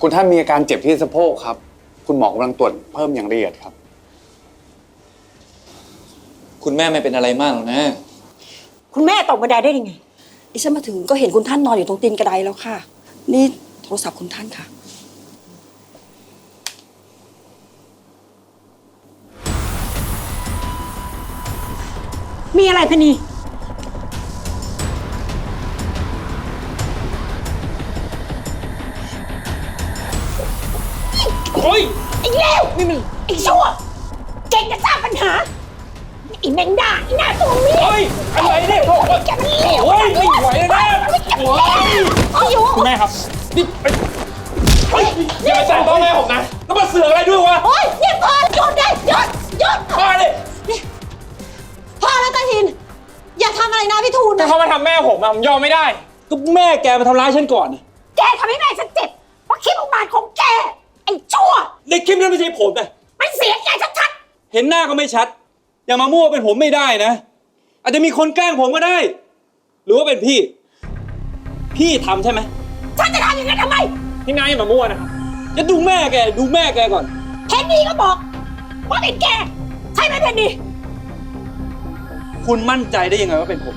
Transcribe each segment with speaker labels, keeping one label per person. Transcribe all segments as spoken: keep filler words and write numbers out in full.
Speaker 1: คุณท่านมีอาการเจ็บที่สะโพกครับคุณหมอกำลังตรวจเพิ่มอย่างละเอียดครับ
Speaker 2: คุณแม่ไม่เป็นอะไรมากหรอกนะ
Speaker 3: คุณแม่ตกบันไดได้ยังไง
Speaker 4: ดิฉันมาถึงก็เห็นคุณท่านนอนอยู่ตรงตีนกระไดแล้วค่ะนี่โทรศัพท์คุณท่านค่ะ
Speaker 3: มีอะไรพนี
Speaker 2: โอ้ย
Speaker 3: ไอ้เลวนี่มันไอ้ชั่วเก่งจะสร้างปัญหาไอ้แมงดาไอ้หน้าตัวเมีย
Speaker 2: โอ้ยอะไรเนี่ยโอ้ย
Speaker 3: แกมันเลว
Speaker 2: โอ้ยไม่ไหวแล้วนะโอ้ย
Speaker 3: เอาอยู่
Speaker 2: คุณแม่ครับนี่เฮ้ยอย่ามาแตะต้องแม่ผมนะแล้วมาเสือกอะไรด้วยวะ
Speaker 3: โอ้ยนี่พอหยุดได้หยุดหยุด
Speaker 2: มาดิ
Speaker 4: พ่อแล้วตาทินอย่าทำอะไรนะพี่ทูล
Speaker 2: ถ้าเขามาทำแม่ผมอะผมยอมไม่ได้ก็แม่แกมาทำร้ายฉันก่อน
Speaker 3: แกทำให้แม่ฉันเจ็บเพราะคิดอุบาทของแกไอ้ชั่ว
Speaker 2: ในคลิปนั้นไม่ใช่ผมนะ
Speaker 3: มันเสียแกชัด
Speaker 2: เห็นหน้าก็ไม่ชัดอย่ามามั่วเป็นผมไม่ได้นะอาจจะมีคนแกล้งผมก็ได้ หรือว่าเป็นพี่ พี่ทำใช่ไหม
Speaker 3: ๆฉันจะทำอย่างนั้นทำไม
Speaker 2: พี่นายอย่ามามั่วนะครับจะดูแม่แกดูแม่แกก่อน
Speaker 3: เพนนีก็บอกว่าเป็นแกใช่ไหมเพนนี
Speaker 2: คุณมั่นใจได้ยังไงว่าเป็นผม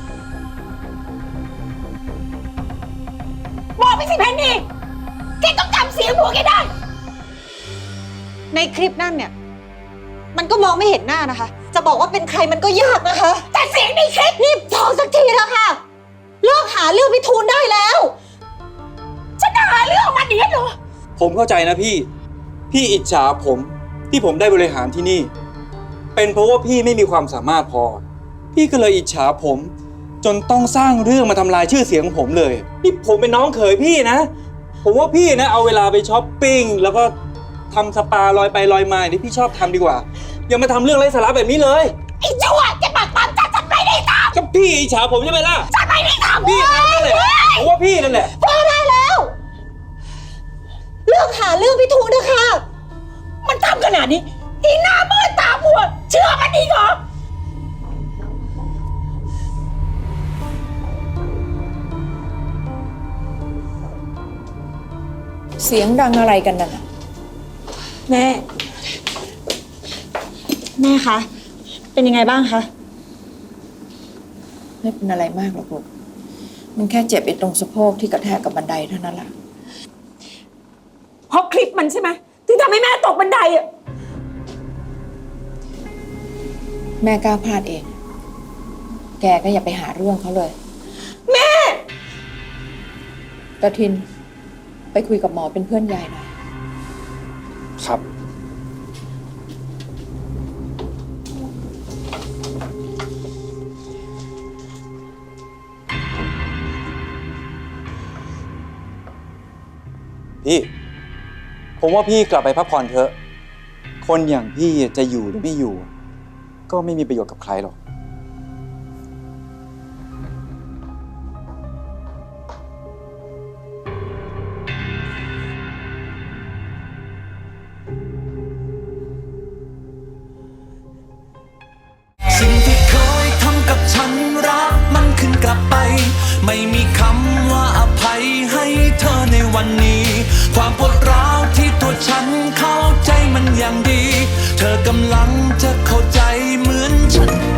Speaker 3: บอกไปสิเพนนีแกต้องจำเสียงหัวแกได้
Speaker 4: ในคลิปนั่นเนี่ยมันก็มองไม่เห็นหน้านะคะ จะบอกว่าเป็นใครมันก็ยากนะคะ
Speaker 3: แต่เสียงในคลิป
Speaker 4: นี่พอสักทีแล้วค่ะเลิกหาเรื่องพี่ทูลได้แล้ว
Speaker 3: ฉันหาเรื่องมันอย่างนี้เหรอ
Speaker 2: ผมเข้าใจนะพี่ พี่อิจฉาผมที่ผมได้บริหารที่นี่ เป็นเพราะว่าพี่ไม่มีความสามารถพอ พี่ก็เลยอิจฉาผม จนต้องสร้างเรื่องมาทำลายชื่อเสียงของผมเลยนี่ผมเป็นน้องเขยพี่นะ ผมว่าพี่นะเอาเวลาไปช้อปปิ้งแล้วก็ทำสปาลอยไปลอยมาที่พี่ชอบทำดีกว่าอย่ามาทำเรื่องไร้สาระแบบนี้เลย
Speaker 3: ไอ้ชั่วแกปากตามฉันฉันไม่ได้ท
Speaker 2: ก็พี่อิจฉาผมใช่ไหมล่ะ
Speaker 3: ำฉันไม่ได้ทำ
Speaker 2: พี่ทำนั่นแหละผมว่าพี่นั่นแหละ
Speaker 4: พอได้แล้วเลิกหาเรื่องพี่ทูลนะคะ
Speaker 3: มันทำขนาดนี้อีหน้ามืดตามัวเชื่อมันอีกเหรอ
Speaker 5: เสียงดังอะไรกันน่ะ
Speaker 4: แม่แม่คะเป็นยังไงบ้างคะ
Speaker 5: ไม่เป็นอะไรมากหรอกลูกมันแค่เจ็บไอ้ตรงสะโพกที่กระแทกกับบันไดเท่านั้นแหละ
Speaker 3: เพราะคลิปมันใช่ไหมที่ทำให้แม่ตกบันไดอะ
Speaker 5: แม่กล้าพลาดเอง แกก็อย่าไปหาเรื่องเขาเลย
Speaker 3: แม่
Speaker 5: ตาทินไปคุยกับหมอเป็นเพื่อนยายหน่อย
Speaker 1: ครับ
Speaker 2: พี่ผมว่าพี่กลับไปพักผ่อนเถอะคนอย่างพี่จะอยู่หรือไม่อยู่ก็ไม่มีประโยชน์กับใครหรอก
Speaker 6: สิ่งที่เคยทำกับฉันรักมันขึ้นกลับไปไม่มีคำว่าอภัยให้เธอในวันนี้ความปวดร้าวที่ตัวฉันเข้าใจมันอย่างดีเธอกำลังจะเข้าใจเหมือนฉัน